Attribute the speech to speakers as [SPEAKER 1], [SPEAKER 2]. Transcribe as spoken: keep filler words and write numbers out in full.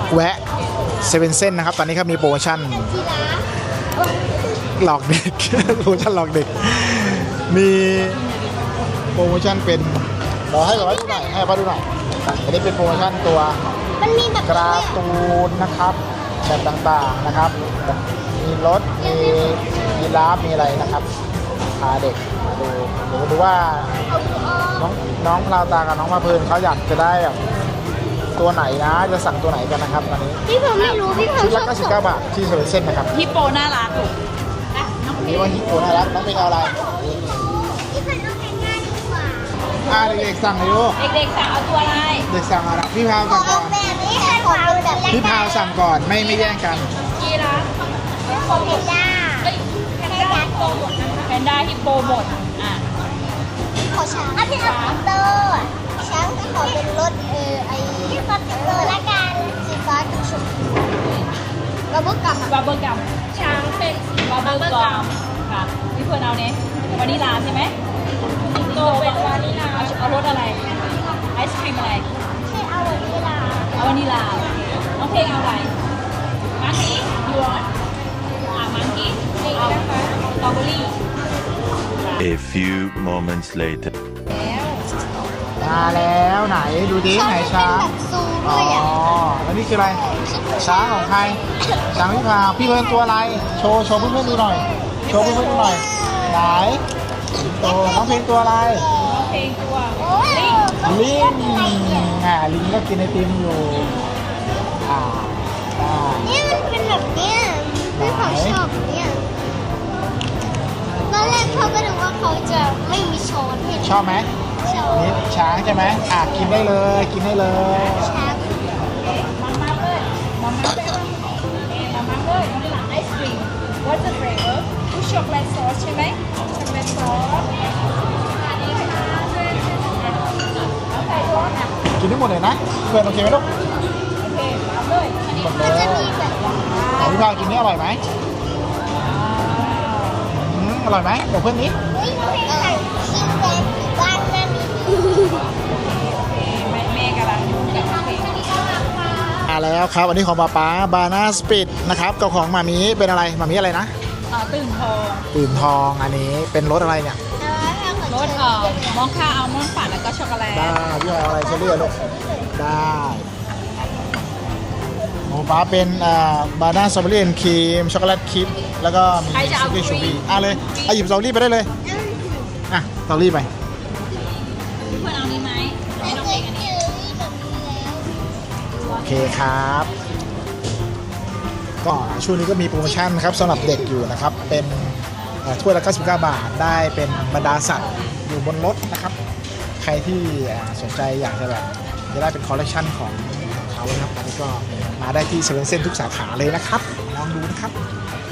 [SPEAKER 1] แวะเซเว่นเส้นนะครับตอนนี้ครับมีโปรโมชั่นหลอกเด็ก โปรโมชั่นหลอกเด็กมีโปรโมชั่นเป็นเราให้แบบว่าดูหน่อยให้ว่าดูหน่อยอันนี้เป็นโปรโมชั่นตัว
[SPEAKER 2] มันมีแบบ
[SPEAKER 1] การ์ตูนนะครับแบบต่างๆนะครับมีรถมีมีลาฟมีอะไรนะครับพาเด็กมาดูเดี๋ยวดูว่าน้องน้องพลาวตากับน้องมาเพลินเขาอยากจะได้แบบตัวไหนนะจะสั่งตัวไหนกันนะครับตอนนี้
[SPEAKER 2] พี่ผมไม่รู้พี่ผม
[SPEAKER 1] ชุด
[SPEAKER 2] ช
[SPEAKER 1] ละ
[SPEAKER 2] อบ
[SPEAKER 1] เก้าสิบเก้าบาทที่เซเว่นเส้นนะครับ
[SPEAKER 3] ฮิปโปน่ารักลูก
[SPEAKER 1] นี่ว่าฮิปโปน่ารักน้องเป็นเอาอะไร
[SPEAKER 2] พี่ผมต้องแต่งงานดีกว่า
[SPEAKER 1] อ่าเด็กๆสั่งเลยลูก
[SPEAKER 3] เด็กๆสั่งเอาตัวอะไร
[SPEAKER 1] เด็กสั่งอะไรพี่พาว
[SPEAKER 2] ขอ
[SPEAKER 1] สั่งก่
[SPEAKER 2] เอา
[SPEAKER 1] อน
[SPEAKER 2] แบบนี้ให้ขอเป็นแบบ
[SPEAKER 1] พี่พาวสั่งก่อนไม่ไม่แย่งกัน
[SPEAKER 3] กีราฟ
[SPEAKER 2] ขอเพนด้า
[SPEAKER 3] เอ้ยแพนด้าฮิปโปหมดนะคะแพนด้าฮิปโปหมดอ่ะ
[SPEAKER 2] ขอช้างอ่ะพี่เอาสกูตเตอร์ช้างขอเป็นรถเออไอพี่สกูตเตอร์ละกันสีฟ้ากับชมพูระบบกับ
[SPEAKER 3] บับเบิ้ลกัมช้างเป็นบับเบิ้ลกัมค่ะพี่เพื่อนเอาเนี้ยวานิลาใช่ไหมโตเป็นวานิลาเอารสอะไรไอศครีมอะไร
[SPEAKER 2] ให้เอาวันนี้ล่ะ
[SPEAKER 3] เอาวานิลาน้องเพลงเอาอะไรมังกี้ยูรอนอ่ะมังกี้เอาสตรอเบอรี่
[SPEAKER 4] A few moments later.
[SPEAKER 3] แล้ว
[SPEAKER 1] มาแล้วไหนดูดิไหนช้าง
[SPEAKER 2] แบบซู
[SPEAKER 1] อ๋
[SPEAKER 2] ด้
[SPEAKER 1] อ
[SPEAKER 2] วยอ่ะ
[SPEAKER 1] แล้วนี่คืออะไรช้างของใครช้างพี่พาวพี่เพื่อนตัวอะไรโชว์โชว์เพื่อนๆดูหน่อยโชว์เพื่อนๆดูหน่อยไหนโตน้องเพลงตัวอะไร
[SPEAKER 3] น้องเพลงตัว
[SPEAKER 2] โอ้ย
[SPEAKER 1] ลิงอ่าลิงก็กินไอติมอยู่อ่าได้
[SPEAKER 2] นี่มันเป็นแบบเนี้ยพี่ผมชอบเนี่ยตอนแรกเขาก็ดูว่าเขาจะไม่มีช้อนให้
[SPEAKER 1] ชอบไหม
[SPEAKER 2] ชอบ
[SPEAKER 1] นี่ช้างใช่ไหมอ่ะกินได้เลยกินได้เลย
[SPEAKER 2] ช้าง
[SPEAKER 3] มาม่าเลยมาม่าเลยมาม่าเลยวานิลาไอศครีม What's the flavor คือช็อกโกแลตซอสใช่ไหมช็อกโกแลตซอสอันนี้ค่ะแล้วใส่รสอ่ะ
[SPEAKER 1] กินได้หมดเลยนะเพื่อนโอเคไหมลูก
[SPEAKER 3] โอเคเอาเลยอันนี้
[SPEAKER 1] หมดเล
[SPEAKER 2] มัน
[SPEAKER 1] ย
[SPEAKER 2] จะมีแบบ
[SPEAKER 1] ไหนพี่พาวกินนี่อร่อยไหมอืมอร่อยไหมเดี๋ยวเพื่อนนี้
[SPEAKER 2] เฮ้ยมันเป็นแบบชิ้นแดงบ้านนั่นนี่
[SPEAKER 3] แม่แม่กำลังดูกับเพลง
[SPEAKER 1] มาแล้วครับวันนี้ของป๊าป๊าบานาสปิดนะครับกับของหมามีเป็นอะไรหมามีอะไรนะ
[SPEAKER 3] เอ่อตื่นทอง
[SPEAKER 1] ตื่นทองอันนี้เป็นรสอะไรเนี่ย
[SPEAKER 3] รสเอ่อมอคค่าอัลมอนด์ปั่นแล้วก็ช็อกโกแลต
[SPEAKER 1] ได้พี่พาวเอาอะไรเชอรี่อะลูกได้ของป๊าเป็นอ่าบานาสตรอเบอรี่ครีมช็อกโกแลตครีมแล้วก็มี
[SPEAKER 3] ใครจะเอา
[SPEAKER 1] สตี้ชู
[SPEAKER 3] ครี
[SPEAKER 1] บี้
[SPEAKER 3] ม
[SPEAKER 1] อ่ะเลยเอาหยิบสตรอเบอรี่ไปได้เลยอ่ะสตรอเบอรี่ไป
[SPEAKER 3] เพื่อนเอานี้ไหมไม่ต้องเพลงอันนี้
[SPEAKER 1] โอเคครับ ก็ช่วงนี้ก็มีโปรโมชั่นครับสำหรับเด็กอยู่นะครับ เป็นเอ่อถ้วยละเก้าสิบเก้าบาทได้เป็นบรรดาสัตว์อยู่บนรถนะครับ ใครที่เอ่อสนใจอยากจะแบบจะได้เป็นคอลเลคชันของเขานะครับอันนี้ก็มาได้ที่เซเว่นเซ็นทุกสาขาเลยนะครับลองดูนะครับ โอเค